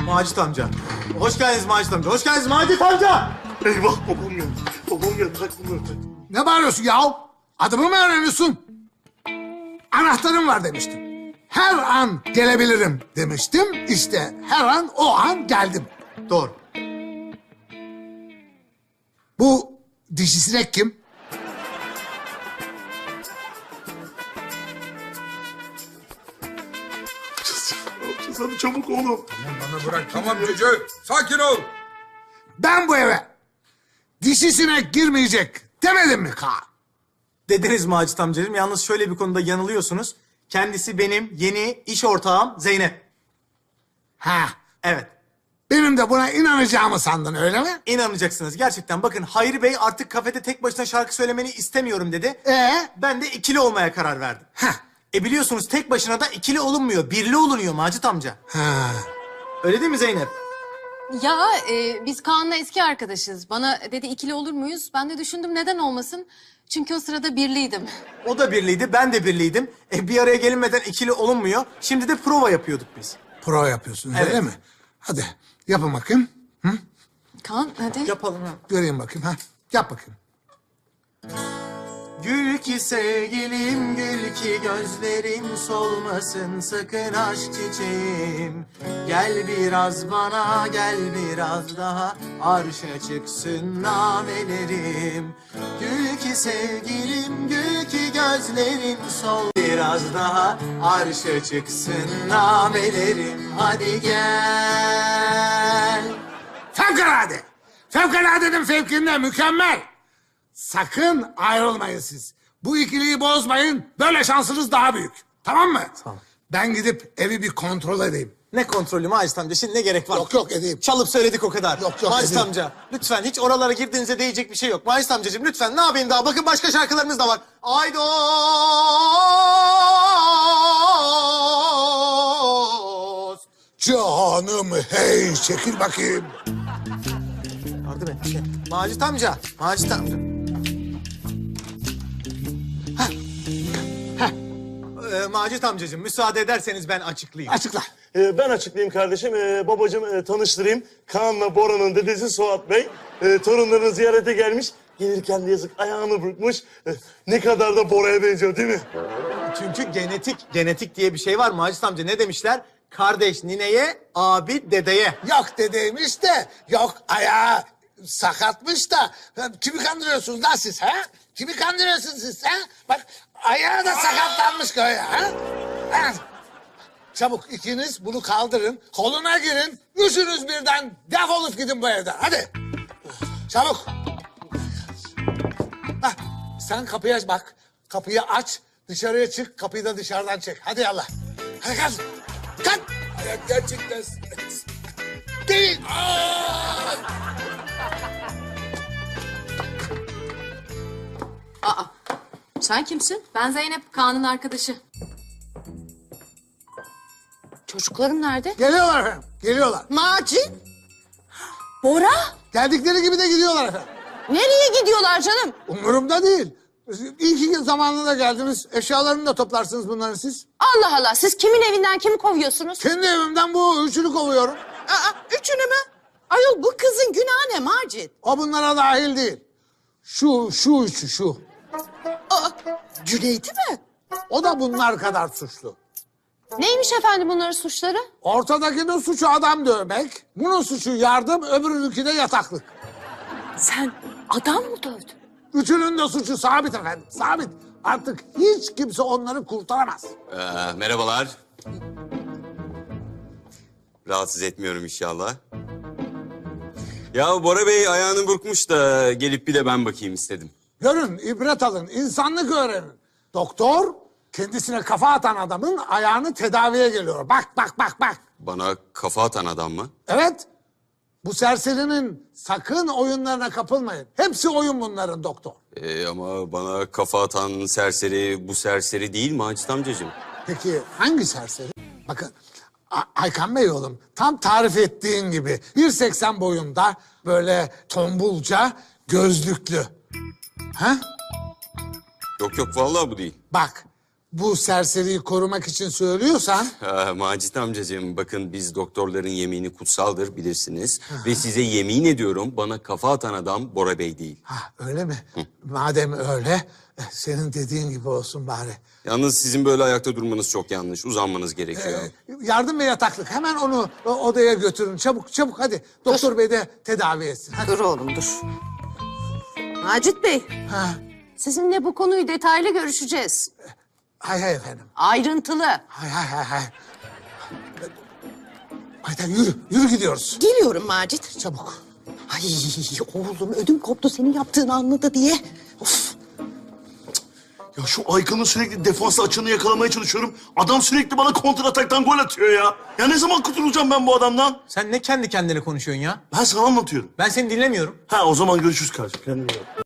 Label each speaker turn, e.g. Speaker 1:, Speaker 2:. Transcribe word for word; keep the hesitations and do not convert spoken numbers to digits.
Speaker 1: Macit amca. Hoş geldiniz Macit amca. Hoş geldiniz Macit amca.
Speaker 2: Eyvah babam geldi. Babam geldi. Tak bunları tak.
Speaker 3: Ne bağırıyorsun ya? Adımı mı öğreniyorsun? Anahtarım var demiştim. Her an gelebilirim demiştim. İşte her an o an geldim.
Speaker 1: Doğru.
Speaker 3: Bu dişi sinek kim?
Speaker 2: Ne yapacağız hadi çabuk oğlum.
Speaker 4: Bana bırak tamam cücü. Sakin ol.
Speaker 3: Ben bu eve dişi sinek girmeyecek demedim mi Kaan?
Speaker 1: Dediniz Macit amcacığım. Yalnız şöyle bir konuda yanılıyorsunuz. Kendisi benim yeni iş ortağım Zeynep.
Speaker 3: Ha,
Speaker 1: Evet.
Speaker 3: benim de buna inanacağımı sandın öyle mi?
Speaker 1: İnanacaksınız gerçekten. Bakın Hayri Bey artık kafede tek başına şarkı söylemeni istemiyorum dedi.
Speaker 3: Ee?
Speaker 1: Ben de ikili olmaya karar verdim.
Speaker 3: Heh.
Speaker 1: E biliyorsunuz tek başına da ikili olunmuyor. Birli olunuyor Macit amca.
Speaker 3: Ha.
Speaker 1: Öyle değil mi Zeynep?
Speaker 5: Ya e, biz Kaan'la eski arkadaşız. Bana dedi ikili olur muyuz? Ben de düşündüm neden olmasın? Çünkü o sırada birliydim.
Speaker 1: O da birliydi, ben de birliydim. E bir araya gelinmeden ikili olunmuyor. Şimdi de prova yapıyorduk biz.
Speaker 3: Prova yapıyorsunuz
Speaker 1: Evet.
Speaker 3: öyle mi? Hadi yapın bakayım. Hı?
Speaker 5: Kaan hadi.
Speaker 1: Yapalım ha.
Speaker 3: Göreyim bakayım. Ha. Yap bakayım.
Speaker 1: Gül ki sevgilim, gül ki gözlerim solmasın sakın aşk çiçeğim. Gel biraz bana, gel biraz daha arşa çıksın namelerim. Gül ki sevgilim, gül ki gözlerim sol. Biraz daha arşa çıksın namelerim. Hadi gel.
Speaker 3: Fevkalade. Fevkaladenin fevkinde mükemmel. Sakın ayrılmayın siz. Bu ikiliyi bozmayın. Böyle şansınız daha büyük. Tamam mı?
Speaker 1: Tamam.
Speaker 3: Ben gidip evi bir kontrol edeyim.
Speaker 1: Ne kontrolü Macit amca? Şimdi ne gerek var?
Speaker 3: Yok yok edeyim.
Speaker 1: Çalıp söyledik o kadar.
Speaker 3: Yok, yok,
Speaker 1: Macit
Speaker 3: edeyim.
Speaker 1: amca lütfen hiç oralara girdiğinize değecek bir şey yok. Macit amcacığım lütfen ne yapayım daha? Bakın başka şarkılarımız da var. Aydos.
Speaker 3: Canım hey çekil bakayım.
Speaker 1: Yardım et. Şey. Macit amca. Macit amca. Heh. Heh. Ee, Macit amcacığım müsaade ederseniz ben açıklayayım.
Speaker 3: Açıkla.
Speaker 2: Ee, ben açıklayayım kardeşim. Ee, babacığım e, tanıştırayım. Kaan'la Bora'nın dedesi Suat Bey. Ee, torunlarını ziyarete gelmiş. Gelirken de yazık ayağını burkmuş. Ee, ne kadar da Bora'ya benziyor değil mi?
Speaker 1: Çünkü genetik, genetik diye bir şey var Macit amca. Ne demişler? Kardeş nineye, abi dedeye.
Speaker 3: Yok dedeymiş de yok ayağı sakatmış da. Kimi kandırıyorsunuz lan siz ha? Kimi kandırıyorsunuz siz ha? Bak ayağı da sakatlanmış böyle ha? Ha? Çabuk ikiniz bunu kaldırın, koluna girin. Üçünüz birden defolup gidin bu evden. Hadi. Çabuk. Hah, sen kapıyı aç bak. Kapıyı aç, dışarıya çık, kapıyı da dışarıdan çek. Hadi yallah. Hadi kalk. Kalk.
Speaker 4: Ayak gerçekten...
Speaker 3: Değil.
Speaker 5: Aa, sen kimsin? Ben Zeynep, Kaan'ın arkadaşı. Çocuklarım nerede?
Speaker 3: Geliyorlar efendim, geliyorlar.
Speaker 6: Macit? Bora?
Speaker 3: Geldikleri gibi de gidiyorlar efendim.
Speaker 6: Nereye gidiyorlar canım?
Speaker 3: Umurumda değil. İyi ki zamanında geldiniz. Eşyalarını da toplarsınız bunların siz.
Speaker 6: Allah Allah, siz kimin evinden kimi kovuyorsunuz?
Speaker 3: Kendi evimden bu üçünü kovuyorum.
Speaker 6: Aa, üçünü mü? Ayol bu kızın günahı ne Macit?
Speaker 3: O bunlara dahil değil. Şu, şu üçü, şu.
Speaker 6: Aa, Cüneyt'i mi?
Speaker 3: O da bunlar kadar suçlu.
Speaker 5: Neymiş efendim bunların suçları?
Speaker 3: Ortadakinin suçu adam dövmek, bunun suçu yardım, öbürününki de yataklık.
Speaker 6: Sen adam mı dövdün?
Speaker 3: Üçünün de suçu sabit efendim, sabit. Artık hiç kimse onları kurtaramaz.
Speaker 7: Ee, merhabalar. Rahatsız etmiyorum inşallah. Ya Bora Bey ayağını burkmuş da gelip bir de ben bakayım istedim.
Speaker 3: Görün, ibret alın, insanlık öğrenin. Doktor, kendisine kafa atan adamın ayağını tedaviye geliyor. Bak, bak, bak, bak.
Speaker 7: Bana kafa atan adam mı?
Speaker 3: Evet, bu serserinin sakın oyunlarına kapılmayın. Hepsi oyun bunların doktor.
Speaker 7: Ee, ama bana kafa atan serseri bu serseri değil Macit amcacığım.
Speaker 3: Peki hangi serseri? Bakın, A- Aykan Bey oğlum, tam tarif ettiğin gibi bir seksen boyunda, böyle tombulca, gözlüklü. Ha?
Speaker 7: Yok yok vallahi bu değil.
Speaker 3: Bak, bu serseriyi korumak için söylüyorsan...
Speaker 7: Ha, Macit amcacığım bakın biz doktorların yemini kutsaldır bilirsiniz. Ve size yemin ediyorum bana kafa atan adam Bora Bey değil.
Speaker 3: Ha, öyle mi? Madem öyle, eh, senin dediğin gibi olsun bari.
Speaker 7: Yalnız sizin böyle ayakta durmanız çok yanlış. Uzanmanız gerekiyor.
Speaker 3: Ee, yardım ve yataklık. Hemen onu o, odaya götürün. Çabuk çabuk hadi. Doktor Bey de tedavi etsin. Hadi.
Speaker 6: Dur oğlum dur. Macit Bey,
Speaker 3: Ha,
Speaker 6: sizinle bu konuyu detaylı görüşeceğiz.
Speaker 3: hay hay efendim.
Speaker 6: Ayrıntılı.
Speaker 3: Hay hay hay hay. Ayten yürü, yürü gidiyoruz.
Speaker 6: Geliyorum Macit.
Speaker 3: Çabuk.
Speaker 6: Ay oğlum ödüm koptu senin yaptığını anladı diye. Of.
Speaker 2: Ya şu Aykan'ın sürekli defans açığını yakalamaya çalışıyorum. Adam sürekli bana kontra ataktan gol atıyor ya. Ya ne zaman kurtulacağım ben bu adamdan?
Speaker 1: Sen ne kendi kendine konuşuyorsun ya?
Speaker 2: Ben sana anlatıyorum.
Speaker 1: Ben seni dinlemiyorum.
Speaker 2: Ha o zaman görüşürüz kardeşim. Kendine iyi bak.